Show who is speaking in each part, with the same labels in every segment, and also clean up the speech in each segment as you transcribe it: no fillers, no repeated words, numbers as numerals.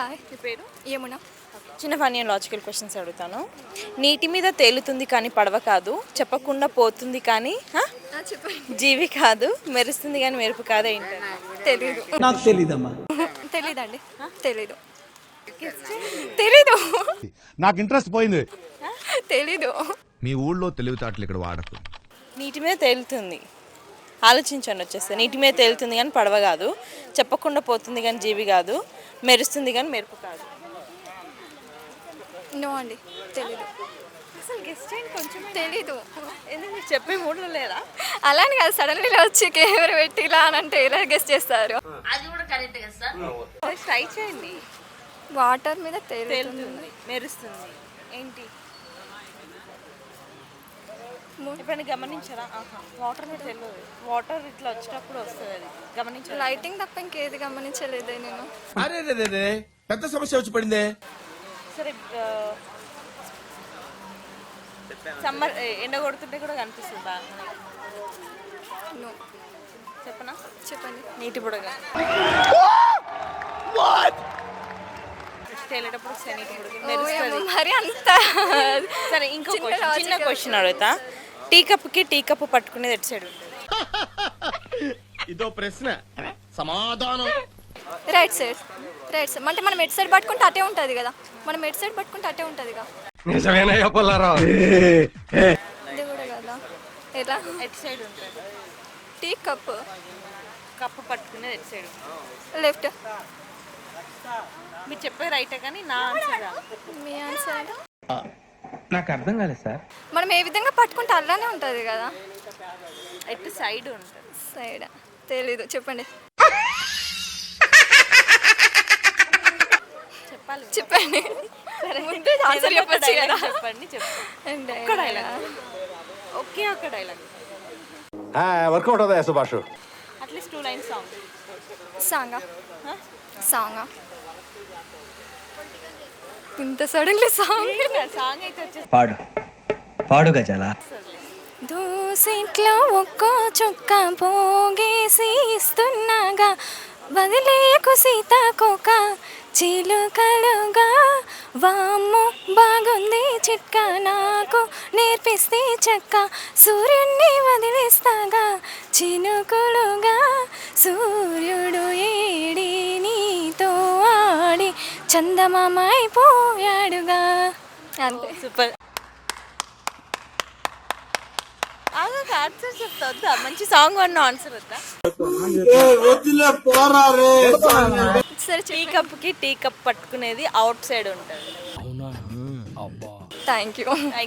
Speaker 1: Hi.
Speaker 2: మీ పేరు?
Speaker 1: యమున.
Speaker 2: చిన్న ఫన్నీ అండ్ లాజికల్ క్వశ్చన్స్ అడుగుతాను. నీటి మీద తేలుతుంది కానీ పడవ కాదు, చెప్పకుండా పోతుంది కానీ
Speaker 1: చెప్పండి.
Speaker 2: జీవి కాదు, మెరుస్తుంది కానీ మెరుపు కాదు ఏంటి?
Speaker 1: తెలీదు.
Speaker 3: నాకు తెలీదమ్మా.
Speaker 1: తెలీదండి. తెలీదు. తెలీదు.
Speaker 4: నాకు ఇంట్రెస్ట్ పోయింది.
Speaker 1: తెలీదు.
Speaker 5: మీ ఊళ్ళో తెలివితేటలు ఇక్కడ వాడకు.
Speaker 2: నీటి మీద తేలుతుంది, ఆలోచించండి వచ్చేస్తే. నీటి మీద తేలుతుంది కానీ పడవ కాదు, చెప్పకుండా పోతుంది కానీ జీవి కాదు, మెరుస్తుంది కానీ మెరుపు కాదు.
Speaker 1: నో అండి, తెలీదు.
Speaker 2: అసలు గెస్ట్ చేయండి కొంచెం.
Speaker 1: తెలీదు.
Speaker 2: ఎందుకు మీరు చెప్పే మూడ్లో లేరా?
Speaker 1: అలా అని కాదు, సడన్లీ ఇలా వచ్చి కెమెరా పెట్టి ఇలా అని అంటే ఎలా గెస్ట్ చేస్తారు?
Speaker 2: ట్రై చేయండి.
Speaker 1: వాటర్ మీద తేలుతుంది.
Speaker 2: తేలుతుంది, మెరుస్తుంది ఏంటి? ఎప్పుడైనా గమనించారా? వాటర్ మీద తెలియదు. వాటర్ ఇట్లా వచ్చేటప్పుడు వస్తుంది, అది గమనించారు.
Speaker 1: లైటింగ్ తప్ప ఇంకేది గమనించలేదే నేను.
Speaker 6: అరే పెద్ద సమస్య వచ్చి పడిందే.
Speaker 2: సరే, సమ్మర్ ఎండ కొడుతుంటే కూడా కనిపిస్తుంది బాగా.
Speaker 1: నో.
Speaker 2: చెప్పనా?
Speaker 1: చెప్పండి.
Speaker 2: నీటి బుడగ. తేలేటప్పుడు వస్తాయి నీటి బుడగ, మెరుస్తుంది.
Speaker 1: మరి అంత.
Speaker 2: సరే, ఇంకో చిన్న క్వశ్చన్ అడుగుతా. టీ కప్పు పట్టుకునేది ఎటు సైడ్ ఉంటుంది?
Speaker 6: ఇదో ప్రశ్న, సమాధానం
Speaker 1: రైట్ సైడ్. రైట్ సైడ్ అంటే మనం ఎటు సైడ్ పట్టుకుంటే అటే ఉంటుంది కదా. మనం ఎటు సైడ్ పట్టుకుంటే అటే ఉంటుంది కదా.
Speaker 6: నిజమేనయ్యా పుల్లారావు.
Speaker 1: ఇది కూడా కదా. ఎలా?
Speaker 2: ఎటు సైడ్ ఉంటుంది?
Speaker 1: టీ కప్పు
Speaker 2: పట్టుకునేది ఎటు సైడ్ ఉంటుంది?
Speaker 1: లెఫ్ట్.
Speaker 2: మీరు చెప్పే రైటే కానీ నా ఆన్సర్ రా.
Speaker 1: మీ ఆన్సర్
Speaker 3: నాకు అర్థం కాలేదు సార్.
Speaker 1: మనం ఏ విధంగా పట్టుకుంటే అలానే ఉంటుంది కదా.
Speaker 2: ఎటు సైడ్ ఉంటుంది?
Speaker 1: సైడ్. తెలీదు, చెప్పండి.
Speaker 2: చెప్పాలి.
Speaker 1: చెప్పండి. ముందే ఆన్సర్ చెప్పచ్చు కదా.
Speaker 2: చెప్పండి. ఒక్క డైలాగ్. ఒకే ఒక్క డైలాగ్.
Speaker 4: వర్కౌట్ అవుదా సుభాష్?
Speaker 2: At least 2 lines song.
Speaker 1: సాంగా ఇంత సడన్లీ సాంగ్
Speaker 2: అయితే వచ్చేసి
Speaker 3: పాడు గజాల.
Speaker 1: దోసెట్లో ఒక్కో చుక్క పోగేసి ఇస్తున్నాగా, వదిలేకు సీతాకోక చిలుకలుగా. వామ్మో బాగుంది చిట్క, నాకు నేర్పిస్తే చక్క. సూర్యుడిని వదిలేస్తాగా చినుకులుగా, సూర్యుడు ఏడి నీతో ఆడి చందమామ అయిపోయాడుగా. అంతే.
Speaker 2: సూపర్. ఆన్సర్ చెప్తా వద్దా? మంచి సాంగ్ అన్న ఆన్సర్ వద్దా?
Speaker 1: సరే,
Speaker 2: టీ కప్ పట్టుకునేది అవుట్ సైడ్ ఉంటుంది.
Speaker 1: Thank you.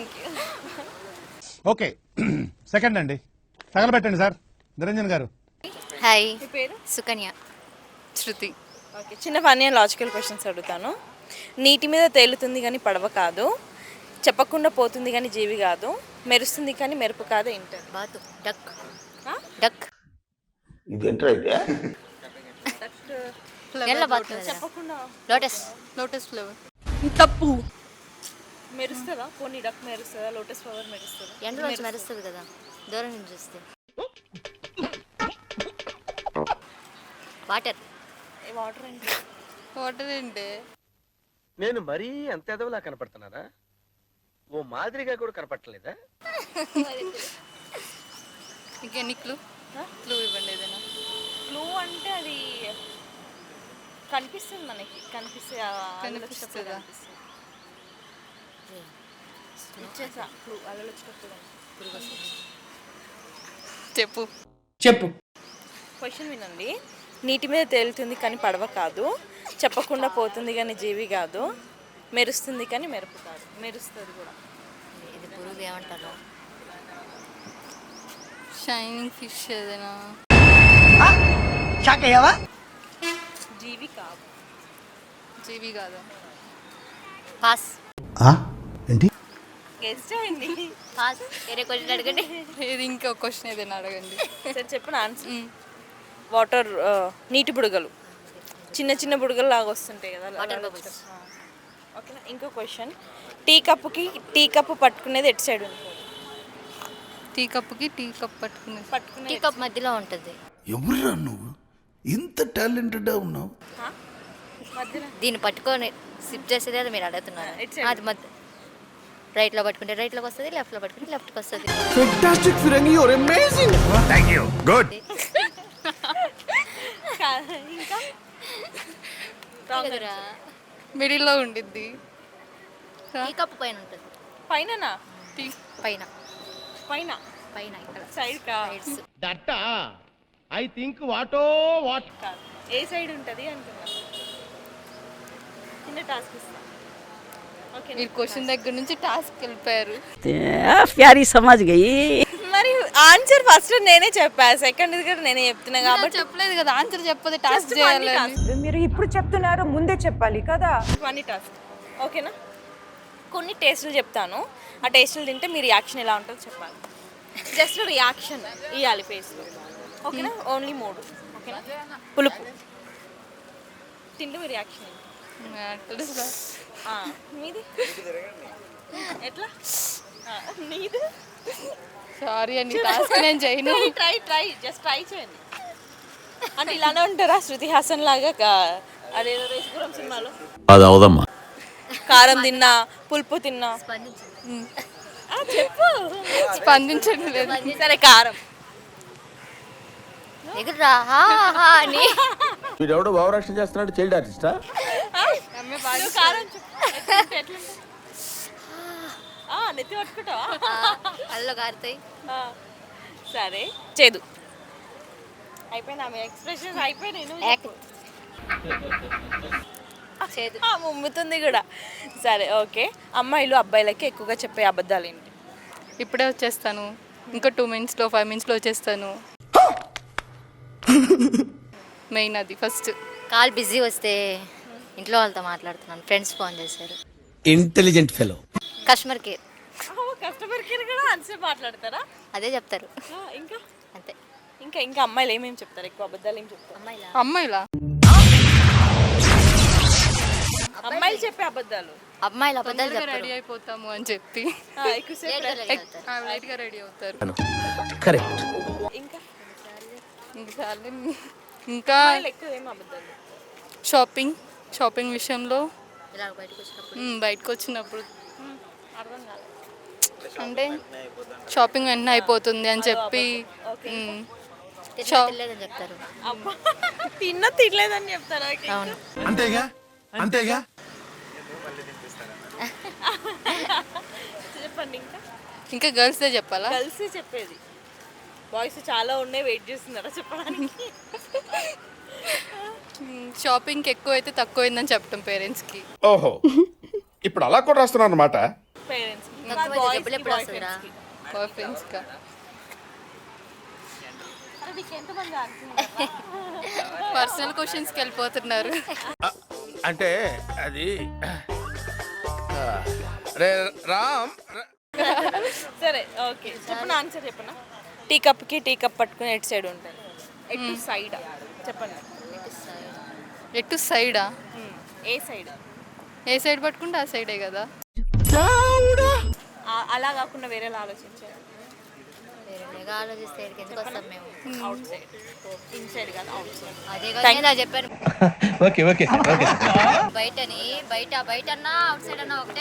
Speaker 4: ఓకే, సెకండ్ అండి, తగలబెట్టండి సార్. నిరంజన్ గారు.
Speaker 7: హాయ్.
Speaker 2: మీ పేరు?
Speaker 7: సుకన్య.
Speaker 1: శృతి.
Speaker 2: ఓకే, చిన్న ఫన్నీ అండ్ లాజికల్ క్వశ్చన్స్ అడుగుతాను. నీటి మీద తేలుతుంది కానీ పడవ కాదు, చెప్పకుండా పోతుంది కానీ జీవి కాదు, మెరుస్తుంది కానీ మెరుపు కాదు ఏంటారు?
Speaker 7: బాతు. డక్. డక్. ఎల్ల బాతు.
Speaker 2: చెప్పకుండా
Speaker 7: లోటస్ ఫ్లవర్.
Speaker 1: తప్పు.
Speaker 2: మెరుస్తుందా? పోనీ డక్ మెరుస్తుందా? లోటస్ ఫ్లవర్ మెరుస్తుందా?
Speaker 7: ఎండలో వచ్చి మెరుస్తుంది కదా, దూరం నుంచి చూస్తే. వాటర్.
Speaker 2: వాటర్ ఏంటి?
Speaker 6: నేను మరీ అంత ఎదవలా కనపడుతున్నారా? ఓ మాదిరిగా కూడా కనపడలేదా?
Speaker 1: ఇంకెన్ని క్లూ ఇవ్వండి ఏదైనా.
Speaker 2: క్లూ అంటే అది కనిపిస్తుంది మనకి, కనిపిస్తుందా? ఇచ్చేసా క్లూ. అలా వచ్చినప్పుడు
Speaker 3: చెప్పు.
Speaker 2: క్వశ్చన్ వినండి. నీటి మీద తేలుతుంది కానీ పడవ కాదు, చెప్పకుండా పోతుంది కానీ జీవి కాదు, మెరుస్తుంది కానీ మెరుపు కాదు. మెరుస్తుంది కూడా.
Speaker 7: ఇది పురుగు ఏమంటారు?
Speaker 1: షైనింగ్ ఫిష్ ఏదైనా.
Speaker 2: జీవి కాదు.
Speaker 1: జీవి కాదు.
Speaker 7: పాస్.
Speaker 4: ఏంటి?
Speaker 2: గెస్ చేయండి.
Speaker 7: పాస్. వేరే క్వశ్చన్ అడగండి.
Speaker 1: ఏది ఇంకో క్వశ్చన్ ఏదైనా అడగండి.
Speaker 2: సరే చెప్పిన ఆన్సర్. వాటర్, నీటి బుడగలు, చిన్న చిన్న బుడగలు లాగా వస్తుంటాయి కదా.
Speaker 7: Water bubbles.
Speaker 2: ఓకేనా? ఇంకో క్వశ్చన్. టీ కప్పు పట్టుకునేది ఎటు సైడ్ ఉంటుంది?
Speaker 1: టీ కప్ పట్టుకునేది
Speaker 7: టీ కప్ మధ్యలో ఉంటుంది.
Speaker 8: ఎవరురా నువ్వు ఇంత టాలెంటెడ్ ఉన్నావు?
Speaker 7: దీన్ని పట్టుకొని సిప్ చేసేది అది మీరు అడుగుతున్నారు
Speaker 2: ఇటు side.
Speaker 7: అది మధ్య రైట్లో పట్టుకుంటే రైట్లోకి వస్తుంది లెఫ్ట్లో పట్టుకుంటే లెఫ్ట్కి వస్తుంది
Speaker 5: గుడ్
Speaker 2: ఇంకా
Speaker 7: ఎదురా
Speaker 8: మిడిల్లో ఉండిద్ది
Speaker 7: ఈ కప్పు పైన ఉంటుంది
Speaker 2: పైననా
Speaker 7: పైన
Speaker 2: పైన
Speaker 7: పైన ఇక్కడ
Speaker 2: సైడ్ కా
Speaker 7: సైడ్స్
Speaker 6: ఐ థింక్ వాటో వాట్
Speaker 2: కాదు. ఏ సైడ్ ఉంటుంది అంటున్నా చిన్న టాస్క్ ఇస్తా ఓకే
Speaker 8: మీరు క్వశ్చన్ దగ్గర నుంచి టాస్క్ వెళ్ళిపోయారు
Speaker 9: प्यारी समझ गई
Speaker 2: మరి ఆన్సర్ ఫస్ట్ నేనే చెప్పా సెకండ్ కూడా నేనే చెప్తున్నా కాబట్టి
Speaker 8: చెప్పలేదు కదా ఆన్సర్ చెప్పదు టాస్క్ చేయాలని
Speaker 9: మీరు ఇప్పుడు చెప్తున్నారు ముందే చెప్పాలి కదా
Speaker 2: ఫన్నీ టాస్క్ ఓకేనా కొన్ని టేస్టులు చెప్తాను ఆ టేస్టులు తింటే మీ రియాక్షన్ ఎలా ఉంటుందో చెప్పాలి జస్ట్ రియాక్షన్ ఇవ్వాలి ఫేస్లో ఓకేనా ఓన్లీ 3 ఓకేనా పులుపు తింటే మీ రియాక్షన్ మీది ఎట్లా నీది
Speaker 8: సారీ అండి టాస్క్ నేను చేయను
Speaker 2: ట్రై జస్ట్ ట్రై చేయండి అంటే ఇలానే ఉంటారా శృతి హాసన్ లాగా అదేదో రేసుపురం సినిమాలో
Speaker 5: అది అవదమ్మా
Speaker 2: కారం తిన్నా పులుపు తిన్నా చెప్పు
Speaker 8: స్పందించడం లేదు
Speaker 2: సరే కారం
Speaker 7: ఎగురురా హా హా అని
Speaker 6: వీడెవడో భావరక్షణ చేస్తున్నాడు చైల్డ్ ఆర్టిస్టా
Speaker 2: నువ్వు కారం చెప్పు ఎట్లుంటుంది? నెత్తి పట్టుకుంటావా
Speaker 7: అల్లో కారుతాయి
Speaker 2: సరే చేదు అయిపోయినా మీ ఎక్స్ప్రెషన్స్ అయిపోయినాయి నువ్వు చెప్పు.
Speaker 7: చేదు
Speaker 2: ముమ్ముతుంది కూడా సరే ఓకే అమ్మాయిలు అబ్బాయిలకి ఎక్కువగా చెప్పే అబద్ధాలు ఏంటి
Speaker 8: ఇప్పుడే వచ్చేస్తాను ఇంకా 2 మినిట్స్లో 5 మినిట్స్లో వచ్చేస్తాను మెయిన్ అది ఫస్ట్
Speaker 7: కాల్ బిజీ వస్తే ఇంట్లో వాళ్ళతో మాట్లాడుతున్నాను ఫ్రెండ్స్ ఫోన్ చేశారు
Speaker 3: intelligent fellow
Speaker 7: customer care
Speaker 2: customer care కూడా ఆన్సర్ మాట్లాడతారా
Speaker 7: అదే చెప్తారు
Speaker 2: ఇంకా
Speaker 7: అంతే
Speaker 2: ఇంకా ఇంకా అమ్మాయిలు ఏమేమి చెప్తారు ఎక్కువ అబద్ధాలు ఏం చెప్తారు
Speaker 7: అమ్మాయిలా
Speaker 8: అమ్మాయిలా
Speaker 2: అమ్మాయిలు చెప్పే అబద్ధాలు
Speaker 7: అమ్మాయిలు అబద్ధాలు చెప్పరు
Speaker 8: రెడీ అయిపోతాము అని చెప్పి
Speaker 2: ఎక్కువసేపు
Speaker 8: లైట్గా రెడీ అవుతారు
Speaker 3: కరెక్ట్
Speaker 2: ఇంకా
Speaker 8: ఇంకా చాలు. ఇంకా
Speaker 2: అమ్మాయిలు ఎక్కువ ఏం అబద్ధాలు
Speaker 8: షాపింగ్ విషయంలో
Speaker 7: ఇలా బయటకు వచ్చినప్పుడు
Speaker 8: బయటకు వచ్చినప్పుడు అంటే షాపింగ్ వెంటనే అయిపోతుంది అని చెప్పి
Speaker 7: తెలియదని చెప్తారు
Speaker 2: అబ్బా తిన్నా తినలేదని చెప్తారా
Speaker 7: అవును
Speaker 5: అంతేగా అంతేగా
Speaker 2: చెప్పండి ఇంకా
Speaker 8: ఇంకా గర్ల్స్దే చెప్పాలా
Speaker 2: కలిసి చెప్పేది బాయ్స్ చాలా ఉన్నాయి వెయిట్ చేస్తున్నారా చెప్పడానికి
Speaker 8: షాపింగ్కి ఎక్కువ అయితే తక్కువ అయిందని చెప్పటం పేరెంట్స్కి
Speaker 4: ఓహో ఇప్పుడు అలా కూడా రాస్తున్నారు అన్నమాట
Speaker 2: పేరెంట్స్
Speaker 7: తక్కువ అయితే డబ్బులు ఎప్పుడు వస్తుందిరా
Speaker 8: బాయ్ ఫ్రెండ్స్గా
Speaker 2: ఎంతమంది
Speaker 8: పర్సనల్ క్వశ్చన్స్కి వెళ్ళిపోతున్నారు
Speaker 6: అంటే అది రే రామ్
Speaker 2: సరే ఓకే చెప్పండి ఆన్సర్ చెప్పనా టీ కప్కి టీ కప్ పట్టుకుని ఎటు సైడ్ ఉంటుంది ఎటు సైడ్ చెప్పండి
Speaker 8: ఎటు సైడా
Speaker 2: ఏ సైడ్
Speaker 8: ఏ సైడ్ పట్టుకుంటే ఆ సైడే కదా
Speaker 2: అలా కాకుండా వేరేలా ఆలోచించారు
Speaker 7: వేరేగా ఆలోచిస్తే ఇక్కడికి ఎందుకు వస్తాం మేము
Speaker 2: అవుట్ సైడ్ ఇన్ సైడ్ కాదు అవుట్ సైడ్
Speaker 7: అదే కదా నేను చెప్పాను
Speaker 3: ఓకే ఓకే ఓకే
Speaker 7: బయటని బయట అన్నా అవుట్ సైడ్ అన్నా ఒకటే